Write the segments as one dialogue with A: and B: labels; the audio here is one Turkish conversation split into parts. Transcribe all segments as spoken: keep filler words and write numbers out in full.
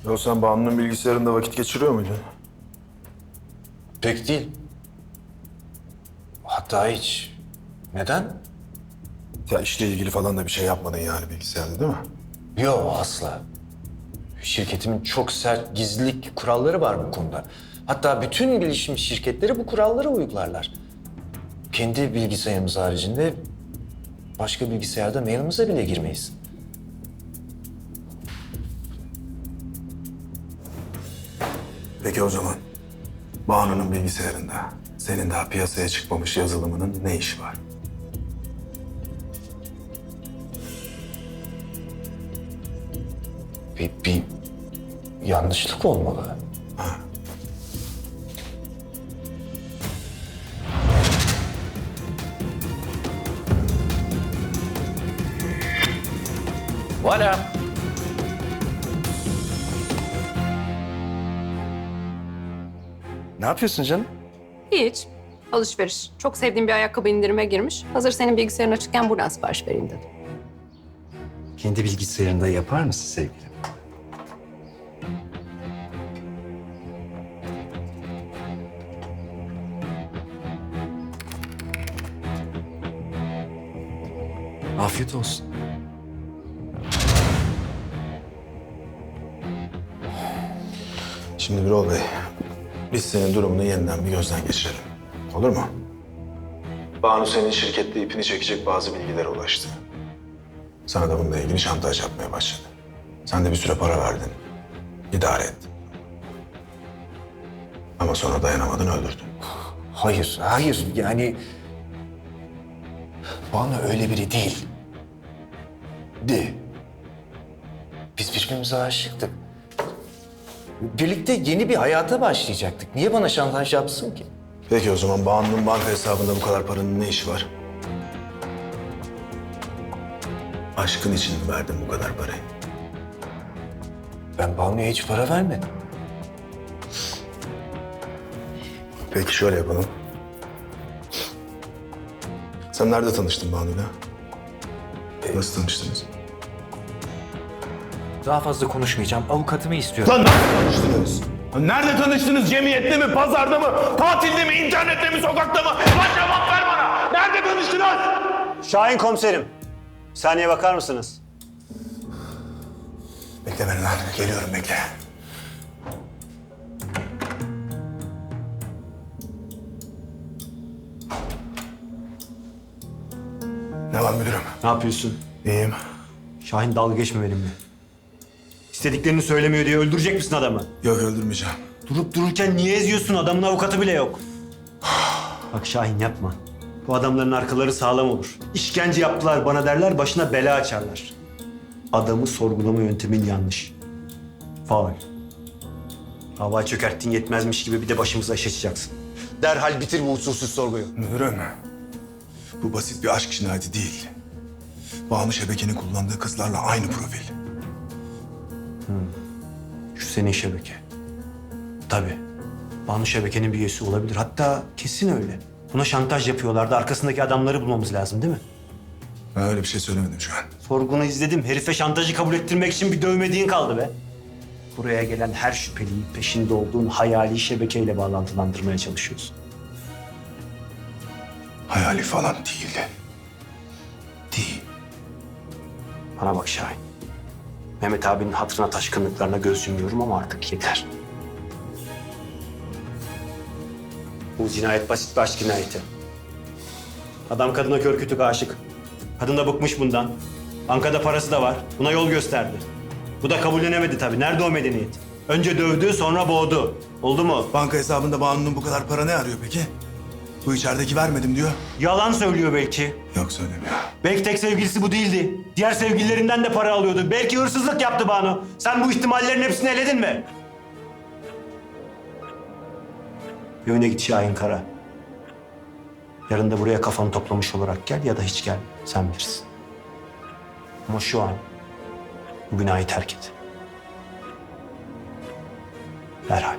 A: Ya sen Banu'nun bilgisayarında vakit geçiriyor muydun?
B: Pek değil. Hatta hiç. Neden?
A: Ya işle ilgili falan da bir şey yapmadın yani bilgisayarda değil mi?
B: Yok asla. Şirketimin çok sert gizlilik kuralları var bu konuda. Hatta bütün bilişim şirketleri bu kuralları uygularlar. Kendi bilgisayarımız haricinde başka bilgisayarda mailimize bile girmeyiz.
A: Peki o zaman Banu'nun bilgisayarında senin daha piyasaya çıkmamış yazılımının ne işi var?
B: Bir, bir yanlışlık olmalı. Voilà. Ne yapıyorsun canım?
C: Hiç. Alışveriş. Çok sevdiğim bir ayakkabı indirime girmiş. Hazır senin bilgisayarın açıkken buradan sipariş vereyim dedim.
D: Kendi bilgisayarında yapar mısın sevgilim? Afiyet olsun.
A: Şimdi Birol Bey, biz senin durumunu yeniden bir gözden geçirelim. Olur mu? Banu senin şirkette ipini çekecek bazı bilgilere ulaştı. Sana da bununla ilgili şantaj yapmaya başladı. Sen de bir süre para verdin. İdare et. Ama sonra dayanamadın, öldürdün.
B: Hayır, hayır. Yani Banu öyle biri değil. De. Biz birbirimize aşıktık. Birlikte yeni bir hayata başlayacaktık. Niye bana şantaj yapsın ki?
A: Peki o zaman Banu'nun banka hesabında bu kadar paranın ne işi var? Aşkın için mi verdin bu kadar parayı?
B: Ben Banu'ya hiç para vermedim.
A: Peki şöyle yapalım. Sen nerede tanıştın Banu'yla? Nasıl tanıştınız?
D: Daha fazla konuşmayacağım. Avukatımı istiyorum.
A: Lan nasıl tanıştınız? Nerede tanıştınız? Cemiyette mi, pazarda mı, tatilde mi, internette mi, sokakta mı? Lan cevap ver bana! Nerede tanıştınız?
E: Şahin komiserim. Saniye bakar mısınız?
A: Bekle beni lan. Geliyorum, bekle. Ne var müdürüm?
E: Ne yapıyorsun?
A: İyiyim.
E: Şahin dalga geçme benimle. İstediklerini söylemiyor diye öldürecek misin adamı?
A: Yok, öldürmeyeceğim.
E: Durup dururken niye eziyorsun? Adamın avukatı bile yok. Bak Şahin yapma. Bu adamların arkaları sağlam olur. İşkence yaptılar bana derler, başına bela açarlar. Adamı sorgulama yöntemin yanlış. Faul. Hava çökerttin yetmezmiş gibi bir de başımıza iş açacaksın. Derhal bitir bu usulsüz sorguyu.
A: Müdürüm, bu basit bir aşk cinayeti değil. Banu şebekenin kullandığı kızlarla aynı profil.
E: Şu senin şebeke. Tabii. Banu şebekenin bir üyesi olabilir. Hatta kesin öyle. Buna şantaj yapıyorlardı. Arkasındaki adamları bulmamız lazım değil mi?
A: Ben öyle bir şey söylemedim şu an.
E: Sorgunu izledim. Herife şantajı kabul ettirmek için bir dövmediğin kaldı be. Buraya gelen her şüpheliyi peşinde olduğun hayali şebekeyle bağlantılandırmaya çalışıyorsun.
A: Hayali falan değildi. Değil.
E: Bana bak Şahin. Mehmet abinin hatırına taşkınlıklarına göz yumuyorum ama artık yeter. Bu cinayet basit bir aşk cinayeti. Adam kadına kör kütük aşık. Kadın da bıkmış bundan. Bankada parası da var. Buna yol gösterdi. Bu da kabullenemedi tabii. Nerede o medeniyet? Önce dövdü, sonra boğdu. Oldu mu?
A: Banka hesabında Banu'nun bu kadar para ne arıyor peki? Bu içerideki vermedim diyor.
E: Yalan söylüyor belki.
A: Yok, söylemiyor.
E: Belki tek sevgilisi bu değildi. Diğer sevgililerinden de para alıyordu. Belki hırsızlık yaptı Banu. Sen bu ihtimallerin hepsini eledin mi? Evine git Şahin Kara. Yarın da buraya kafanı toplamış olarak gel ya da hiç gel. Sen bilirsin. Ama şu an bu binayı terk et. Derhal.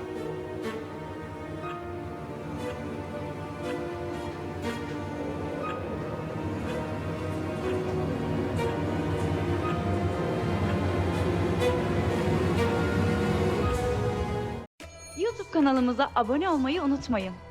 F: YouTube kanalımıza abone olmayı unutmayın.